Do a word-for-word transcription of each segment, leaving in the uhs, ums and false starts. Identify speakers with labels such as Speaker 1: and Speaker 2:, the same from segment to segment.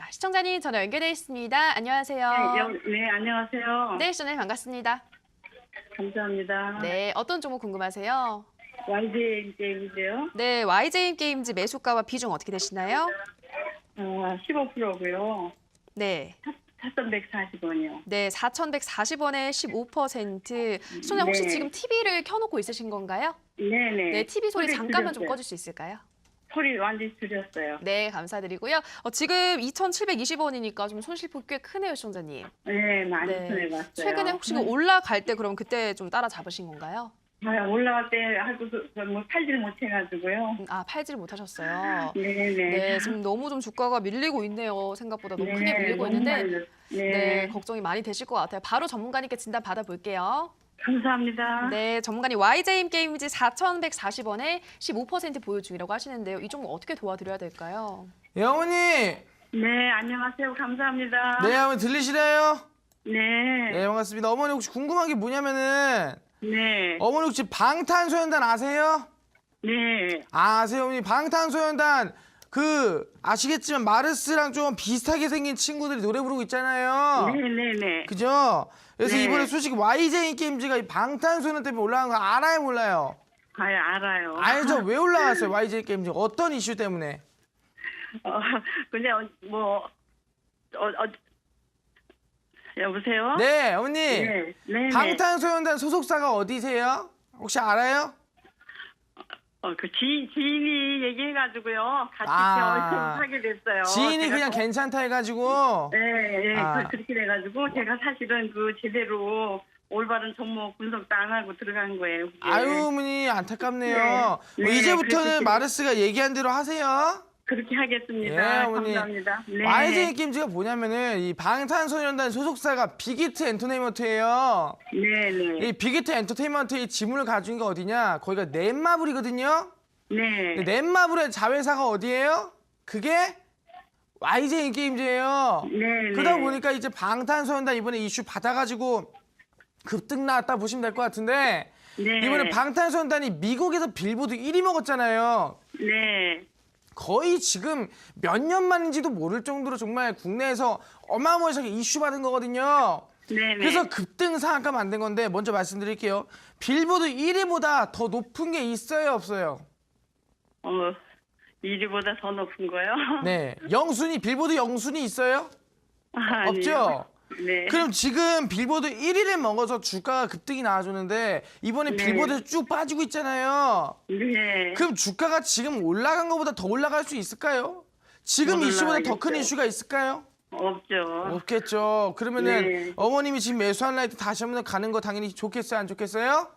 Speaker 1: 시청자님 전화 연결돼 있습니다. 안녕하세요.
Speaker 2: 네, 여, 네, 안녕하세요.
Speaker 1: 네, 시청자님 반갑습니다.
Speaker 2: 감사합니다.
Speaker 1: 네, 어떤 종목 궁금하세요?
Speaker 2: 와이제이 게임인데요.
Speaker 1: 네, 와이제이 게임즈 매수가와 비중 어떻게 되시나요?
Speaker 2: 어, 십오 퍼센트고요.
Speaker 1: 네.
Speaker 2: 사천백사십 원이요.
Speaker 1: 네, 사천백사십 원에 십오 퍼센트. 시청자 혹시
Speaker 2: 네.
Speaker 1: 지금 티비를 켜놓고 있으신 건가요?
Speaker 2: 네네.
Speaker 1: 네, 티비 소리 잠깐만 좀
Speaker 2: 줄였어요.
Speaker 1: 꺼줄 수 있을까요?
Speaker 2: 소리 완전히 줄였어요.
Speaker 1: 네, 감사드리고요. 어, 지금 이천칠백이십 원이니까 좀 손실폭 꽤 크네요, 시청자님.
Speaker 2: 네, 많이
Speaker 1: 네.
Speaker 2: 손해봤어요.
Speaker 1: 최근에 혹시 그 올라갈 때 그럼 그때 좀 따라 잡으신 건가요?
Speaker 2: 아, 올라갈 때 하고 뭐 팔질 못해가지고요.
Speaker 1: 음, 아, 팔지를 못하셨어요.
Speaker 2: 네네.
Speaker 1: 네, 지금 너무 좀 주가가 밀리고 있네요. 생각보다 너무 크게 밀리고
Speaker 2: 너무
Speaker 1: 있는데
Speaker 2: 많이 늘었- 네.
Speaker 1: 네, 걱정이 많이 되실 것 같아요. 바로 전문가님께 진단 받아볼게요.
Speaker 2: 감사합니다.
Speaker 1: 네, 전문가님 와이제이 게임즈 사천백사십 원에 십오 퍼센트 보유 중이라고 하시는데요. 이 종목 어떻게 도와드려야 될까요?
Speaker 3: 예, 어머니.
Speaker 2: 네, 안녕하세요. 감사합니다.
Speaker 3: 네, 어머니 들리시나요?
Speaker 2: 네.
Speaker 3: 네, 반갑습니다. 어머니 혹시 궁금한 게 뭐냐면은
Speaker 2: 네.
Speaker 3: 어머니 혹시 방탄소년단 아세요?
Speaker 2: 네.
Speaker 3: 아, 아세요, 어머니? 방탄소년단 그 아시겠지만 마르스랑 좀 비슷하게 생긴 친구들이 노래 부르고 있잖아요.
Speaker 2: 네네네.
Speaker 3: 그죠? 그래서
Speaker 2: 네.
Speaker 3: 이번에 솔직히 와이제이 게임즈가 이 방탄소년 때문에 올라간 거 알아요, 몰라요?
Speaker 2: 아, 알아요.
Speaker 3: 알죠? 왜 올라갔어요, 와이제이 게임즈? 어떤 이슈 때문에?
Speaker 2: 어, 근데 어, 뭐 어, 어, 여보세요?
Speaker 3: 네, 어머니.
Speaker 2: 네, 네,
Speaker 3: 방탄소년단 소속사가 어디세요? 혹시 알아요?
Speaker 2: 어, 그 지, 지인이 얘기해가지고요. 같이
Speaker 3: 아.
Speaker 2: 하게 됐어요.
Speaker 3: 지인이
Speaker 2: 제가
Speaker 3: 그냥
Speaker 2: 또-
Speaker 3: 괜찮다 해가지고.
Speaker 2: 네, 네,
Speaker 3: 아.
Speaker 2: 그, 그렇게 돼가지고 제가 사실은 그 제대로 올바른 종목 분석도 안 하고 들어간 거예요. 그게.
Speaker 3: 아유, 어머니 안타깝네요.
Speaker 2: 네.
Speaker 3: 뭐
Speaker 2: 네,
Speaker 3: 이제부터는
Speaker 2: 그렇게
Speaker 3: 마르스가 얘기한 대로 하세요.
Speaker 2: 그렇게 하겠습니다.
Speaker 3: 예, 어머니.
Speaker 2: 감사합니다. 네.
Speaker 3: 와이제이 게임즈가 뭐냐면은 이 방탄소년단 소속사가 빅히트 엔터테인먼트예요.
Speaker 2: 네, 네,
Speaker 3: 이 빅히트 엔터테인먼트의 지분을 가진 게 어디냐? 거기가 넷마블이거든요.
Speaker 2: 네,
Speaker 3: 근데 넷마블의 자회사가 어디예요? 그게 와이제이 게임즈예요.
Speaker 2: 네,
Speaker 3: 그러다
Speaker 2: 네.
Speaker 3: 보니까 이제 방탄소년단 이번에 이슈 받아가지고 급등 나왔다 보시면 될 것 같은데
Speaker 2: 네.
Speaker 3: 이번에 방탄소년단이 미국에서 빌보드 일 위 먹었잖아요.
Speaker 2: 네,
Speaker 3: 거의 지금 몇 년 만인지도 모를 정도로 정말 국내에서 어마어마하게 이슈 받은 거거든요.
Speaker 2: 네, 네.
Speaker 3: 그래서 급등 상한가 만든 건데 먼저 말씀드릴게요. 빌보드 일 위보다 더 높은 게 있어요, 없어요?
Speaker 2: 어, 일 위보다 더 높은 거요?
Speaker 3: 네, 영순위, 빌보드 영순위 있어요?
Speaker 2: 아,
Speaker 3: 없죠?
Speaker 2: 아니요. 네.
Speaker 3: 그럼 지금 빌보드 일 위를 먹어서 주가가 급등이 나와주는데 이번에
Speaker 2: 네.
Speaker 3: 빌보드 쭉 빠지고 있잖아요.
Speaker 2: 네.
Speaker 3: 그럼 주가가 지금 올라간 것보다 더 올라갈 수 있을까요? 지금
Speaker 2: 못
Speaker 3: 이슈보다 더 큰
Speaker 2: 올라가겠죠.
Speaker 3: 이슈가 있을까요?
Speaker 2: 없죠.
Speaker 3: 없겠죠. 그러면은
Speaker 2: 네.
Speaker 3: 어머님이 지금 매수한 라이트 다시 한번 가는 거 당연히 좋겠어요? 안 좋겠어요?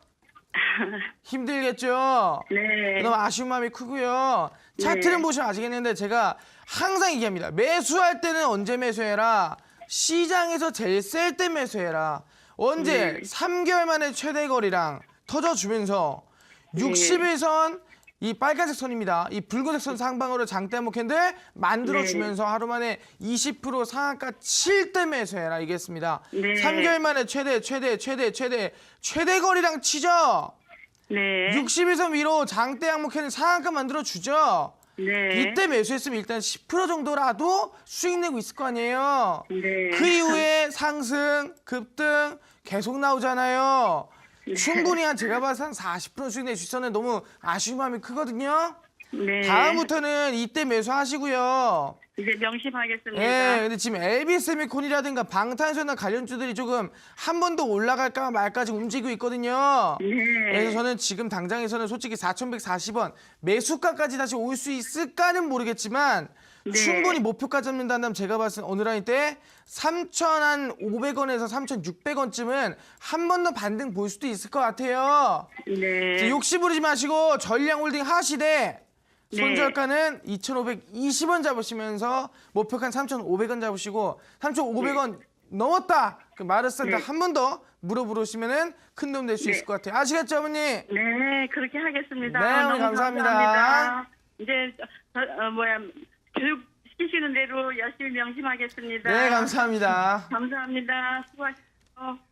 Speaker 3: 힘들겠죠?
Speaker 2: 네.
Speaker 3: 너무 아쉬운 마음이 크고요. 차트는
Speaker 2: 네.
Speaker 3: 보시면 아시겠는데 제가 항상 얘기합니다. 매수할 때는 언제 매수해라. 시장에서 제일 셀 때 매수해라. 언제?
Speaker 2: 네.
Speaker 3: 삼 개월 만에 최대 거리랑 터져주면서
Speaker 2: 네.
Speaker 3: 육십 일선 이 빨간색 선입니다. 이 붉은색 선 상방으로 장대 한목 캔들 만들어주면서 하루 만에 이십 퍼센트 상한가 칠 때 매수해라 이겠습니다.
Speaker 2: 네.
Speaker 3: 삼 개월 만에 최대 최대 최대 최대 최대 거리랑 치죠.
Speaker 2: 네.
Speaker 3: 육십 일선 위로 장대 항목 캔들 상한가 만들어주죠.
Speaker 2: 네.
Speaker 3: 이때 매수했으면 일단 십 퍼센트 정도라도 수익 내고 있을 거 아니에요.
Speaker 2: 네.
Speaker 3: 그 이후에 상승, 급등 계속 나오잖아요. 충분히 한 제가 봐서 한 사십 퍼센트 수익 낼 수 있었는데 너무 아쉬운 마음이 크거든요.
Speaker 2: 네.
Speaker 3: 다음부터는 이때 매수하시고요.
Speaker 2: 이제 명심하겠습니다.
Speaker 3: 예, 근데 지금 엘비세미콘이라든가 방탄소년단 관련주들이 조금 한 번 더 올라갈까 말까 지금 움직이고 있거든요.
Speaker 2: 네.
Speaker 3: 그래서 저는 지금 당장에서는 솔직히 사천백사십 원 매수가까지 다시 올 수 있을까는 모르겠지만
Speaker 2: 네.
Speaker 3: 충분히 목표가 잡는다면 제가 봤을 때 어느 라인 때 삼천오백 원에서 삼천육백 원쯤은 한 번 더 반등 볼 수도 있을 것 같아요.
Speaker 2: 네.
Speaker 3: 욕심 부리지 마시고 전량홀딩 하시되
Speaker 2: 네.
Speaker 3: 손절가는 이천오백이십 원 잡으시면서 목표가는 삼천오백 원 잡으시고 삼천오백 원 넘었다. 그 마르스한테
Speaker 2: 네.
Speaker 3: 한 번 더 물어보시면은 큰 도움 될 수
Speaker 2: 네.
Speaker 3: 있을 것 같아요. 아시겠죠, 어머니?
Speaker 2: 네, 그렇게 하겠습니다.
Speaker 3: 네, 어머니
Speaker 2: 너무
Speaker 3: 감사합니다.
Speaker 2: 감사합니다. 이제 저, 어, 뭐야 교육 시키시는 대로 열심히 명심하겠습니다.
Speaker 3: 네, 감사합니다.
Speaker 2: 감사합니다. 수고하셨습니다.